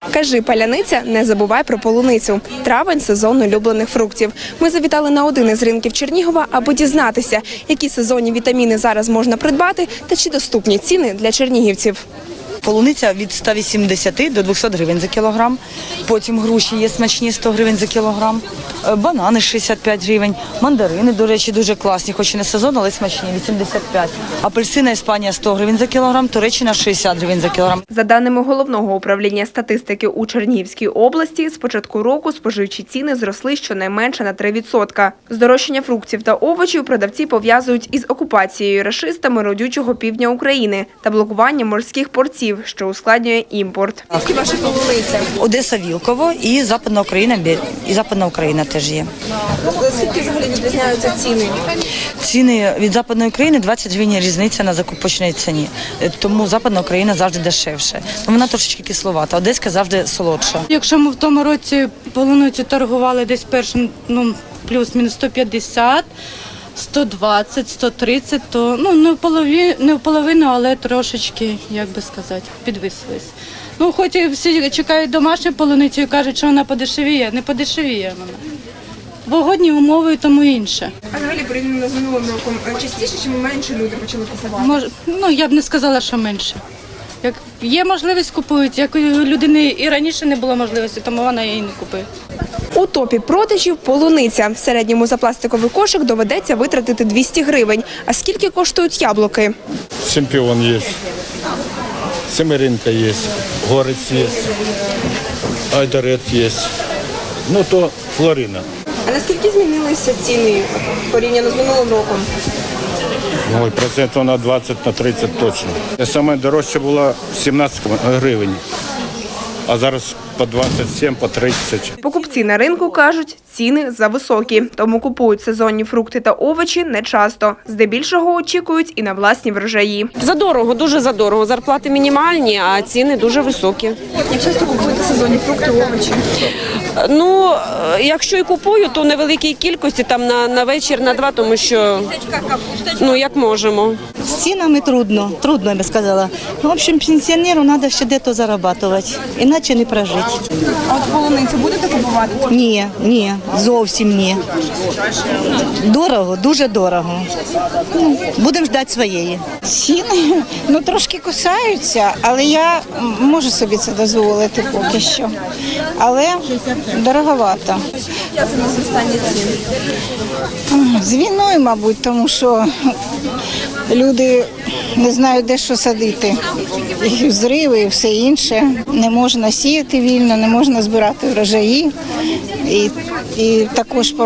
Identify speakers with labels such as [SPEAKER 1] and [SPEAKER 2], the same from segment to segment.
[SPEAKER 1] Кажи, паляниця, не забувай про полуницю. Травень – сезон улюблених фруктів. Ми завітали на один із ринків Чернігова, аби дізнатися, які сезонні вітаміни зараз можна придбати та чи доступні ціни для чернігівців.
[SPEAKER 2] Полуниця від 180 до 200 гривень за кілограм. Потім груші є смачні 100 гривень за кілограм. Банани 65 гривень. Мандарини, до речі, дуже класні, хоч і не сезон, але смачні 85. Апельсина Іспанія 100 гривень за кілограм, Туреччина 60 гривень за кілограм.
[SPEAKER 1] За даними Головного управління статистики у Чернігівській області, з початку року споживчі ціни зросли щонайменше на 3%. Здорожчання фруктів та овочів продавці пов'язують із окупацією рашистами родючого півдня України та блокуванням морських портів, що ускладнює імпорт. Які ваші полуниця?
[SPEAKER 2] Одеса, Вілково і Западна Україна, і Западна Україна теж є.
[SPEAKER 1] Скільки взагалі відрізняються ціни?
[SPEAKER 2] Ціни від Западної України 20 гривень різниця на закупочній ціні. Тому Западна Україна завжди дешевше. Вона трошечки кисловата, Одеська завжди солодша.
[SPEAKER 3] Якщо ми в тому році полуницю торгували десь першим, плюс-мінус 150, 120, 130, то не в половину, але трошечки, як би сказати, підвисились. Хоч і всі чекають домашню полуницю і кажуть, що вона подешевіє, не подешевіє вона. Погодні умови і тому інше.
[SPEAKER 1] А взагалі, порівняно з минулим роком, частіше чи менше люди почали купувати?
[SPEAKER 3] Я б не сказала, що менше. Як є можливість, купують, як у людини і раніше не було можливості, тому вона її не купує.
[SPEAKER 1] У топі продажів полуниця. В середньому за пластиковий кошик доведеться витратити 200 гривень. А скільки коштують яблуки?
[SPEAKER 4] Чемпіон є, Семеринка є, Горець є, Айдарет є, то Флорина.
[SPEAKER 1] А наскільки змінилися ціни порівняно з минулим роком?
[SPEAKER 4] Ой, процентів на 20, на 30 точно. Саме дорожче було 17 гривень, а зараз по 27, по 30.
[SPEAKER 1] Покупці на ринку кажуть, ціни зависокі, тому купують сезонні фрукти та овочі нечасто. Здебільшого очікують і на власні врожаї.
[SPEAKER 5] Задорого, дуже задорого. Зарплати мінімальні, а ціни дуже високі.
[SPEAKER 1] Як часто купуєте сезонні фрукти, овочі?
[SPEAKER 5] Якщо і купую, то в невеликій кількості, там на вечір, на два, тому що, як можемо.
[SPEAKER 6] З цінами трудно, я би сказала. В общем, пенсіонеру треба ще десь заробляти, іначе не прожити.
[SPEAKER 1] А от полуницю будете купувати?
[SPEAKER 6] Ні, зовсім ні. Дорого, дуже дорого. Будемо чекати своєї.
[SPEAKER 7] Ціни, трошки кусаються, але я можу собі це дозволити поки що. Але дороговато.
[SPEAKER 1] Як це на зростання цін?
[SPEAKER 7] З війною, мабуть, тому що люди не знають, де що садити. І зриви, і все інше. Не можна сіяти вільно, не можна збирати врожаї. І також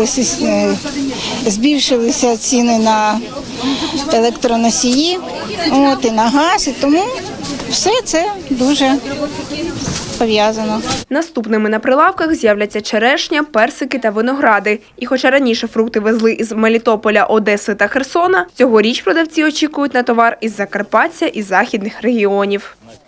[SPEAKER 7] збільшилися ціни на електроносії, і на газ, і тому все це дуже пов'язано.
[SPEAKER 1] Наступними на прилавках з'являться черешня, персики та виногради. І хоча раніше фрукти везли із Мелітополя, Одеси та Херсона, цьогоріч продавці очікують на товар із Закарпаття і західних регіонів.